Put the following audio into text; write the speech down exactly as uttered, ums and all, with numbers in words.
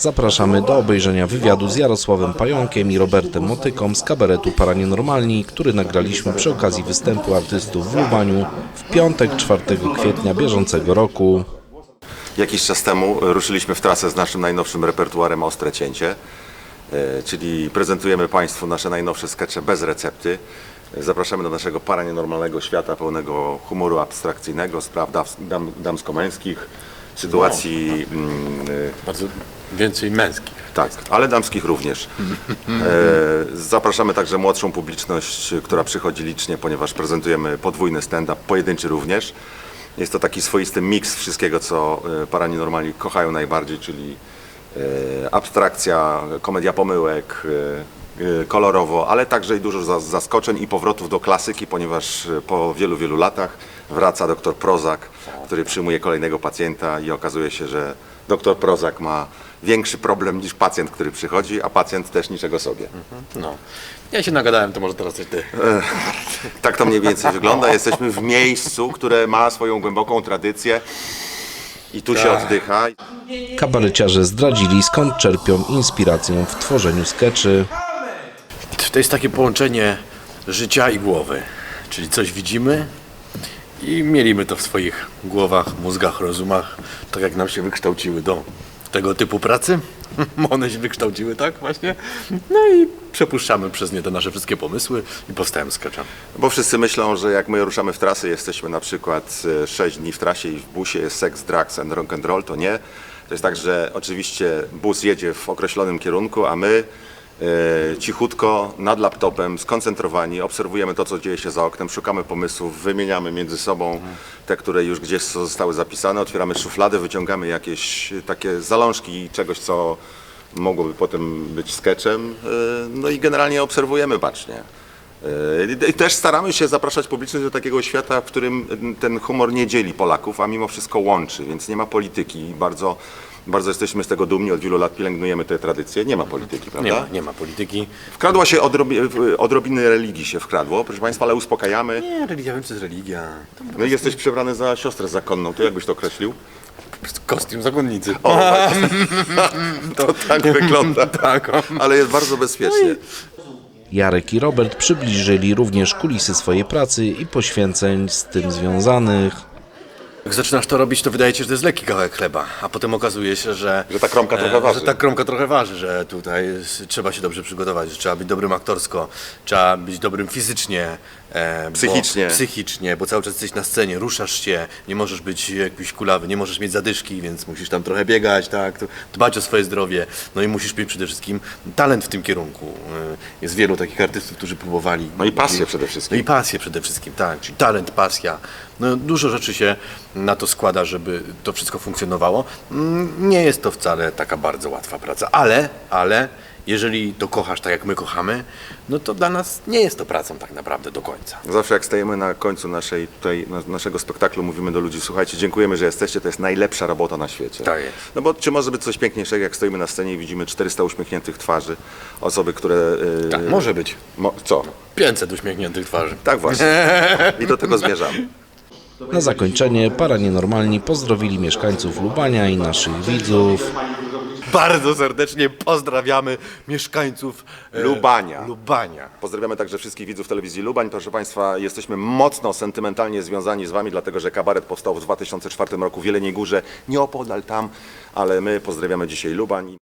Zapraszamy do obejrzenia wywiadu z Jarosławem Pająkiem i Robertem Motyką z kabaretu Paranienormalni, który nagraliśmy przy okazji występu artystów w Lubaniu w piątek, czwartego kwietnia bieżącego roku. Jakiś czas temu ruszyliśmy w trasę z naszym najnowszym repertuarem Ostre Cięcie, czyli prezentujemy Państwu nasze najnowsze skecze bez recepty. Zapraszamy do naszego paranienormalnego świata pełnego humoru abstrakcyjnego, spraw dam, damsko-męskich, sytuacji... No, bardzo więcej męskich. Tak, ale damskich również. E, zapraszamy także młodszą publiczność, która przychodzi licznie, ponieważ prezentujemy podwójny stand-up, pojedynczy również. Jest to taki swoisty miks wszystkiego, co paranienormalni kochają najbardziej, czyli e, abstrakcja, komedia pomyłek, e, kolorowo, ale także i dużo zaskoczeń i powrotów do klasyki, ponieważ po wielu, wielu latach wraca doktor Prozak, który przyjmuje kolejnego pacjenta i okazuje się, że doktor Prozak ma większy problem niż pacjent, który przychodzi, a pacjent też niczego sobie. No. Ja się nagadałem, to może teraz coś ty. Tak to mniej więcej wygląda. Jesteśmy w miejscu, które ma swoją głęboką tradycję i tu się oddycha. Kabareciarze zdradzili, skąd czerpią inspirację w tworzeniu skeczy. To jest takie połączenie życia i głowy. Czyli coś widzimy i mielimy to w swoich głowach, mózgach, rozumach, tak jak nam się wykształciły do tego typu pracy. One się wykształciły tak właśnie. No i przepuszczamy przez nie te nasze wszystkie pomysły i powstają skecze. Bo wszyscy myślą, że jak my ruszamy w trasy, jesteśmy na przykład sześć dni w trasie i w busie jest seks, drugs and rock and roll, to nie. To jest tak, że oczywiście bus jedzie w określonym kierunku, a my e, cichutko nad laptopem, skoncentrowani, obserwujemy to, co dzieje się za oknem, szukamy pomysłów, wymieniamy między sobą te, które już gdzieś zostały zapisane, otwieramy szufladę, wyciągamy jakieś takie zalążki czegoś, co mogłoby potem być sketchem, e, no i generalnie obserwujemy bacznie. I też staramy się zapraszać publiczność do takiego świata, w którym ten humor nie dzieli Polaków, a mimo wszystko łączy, więc nie ma polityki. Bardzo, bardzo jesteśmy z tego dumni, od wielu lat pielęgnujemy tę tradycję. Nie ma polityki, prawda? Nie ma, nie ma polityki. Wkradła się odrobi, odrobiny religii się wkradło, proszę Państwa, ale uspokajamy. Nie, religia, wiem co jest religia. To No i jesteś przebrany za siostrę zakonną, to jak byś to określił? kostium zakonnicy. O, to tak wygląda, Tak, o. ale jest bardzo bezpiecznie. Jarek i Robert przybliżyli również kulisy swojej pracy i poświęceń z tym związanych. Jak zaczynasz to robić, to wydaje ci się, że to jest lekki kawałek chleba, a potem okazuje się, że... Że ta kromka trochę e, waży. Że ta kromka trochę waży, że tutaj jest, trzeba się dobrze przygotować, że trzeba być dobrym aktorsko, trzeba być dobrym fizycznie, e, Psychicznie. Bo, psychicznie, bo cały czas jesteś na scenie, ruszasz się, nie możesz być jakiś kulawy, nie możesz mieć zadyszki, więc musisz tam trochę biegać, tak, dbać o swoje zdrowie, no i musisz mieć przede wszystkim talent w tym kierunku. E, Jest wielu takich artystów, którzy próbowali... No i pasję przede wszystkim. No i pasję przede wszystkim, tak, czyli talent, pasja. No, dużo rzeczy się na to składa, żeby to wszystko funkcjonowało. Mm, Nie jest to wcale taka bardzo łatwa praca, ale, ale jeżeli to kochasz tak jak my kochamy, no to dla nas nie jest to pracą tak naprawdę do końca. Zawsze jak stajemy na końcu naszej, tutaj, na, naszego spektaklu, mówimy do ludzi: słuchajcie, dziękujemy, że jesteście, to jest najlepsza robota na świecie. Tak jest. No bo czy może być coś piękniejszego, jak stoimy na scenie i widzimy czterysta uśmiechniętych twarzy, osoby, które... Yy, Tak, może być. Mo, co? pięćset uśmiechniętych twarzy. Tak właśnie. I do tego zmierzamy. Na zakończenie Paranienormalni pozdrowili mieszkańców Lubania i naszych widzów. Bardzo serdecznie pozdrawiamy mieszkańców e, Lubania. Lubania. Pozdrawiamy także wszystkich widzów telewizji Lubań. Proszę Państwa, jesteśmy mocno sentymentalnie związani z Wami, dlatego że kabaret powstał w dwa tysiące czwartym roku w Jeleniej Górze, nieopodal tam, ale my pozdrawiamy dzisiaj Lubań.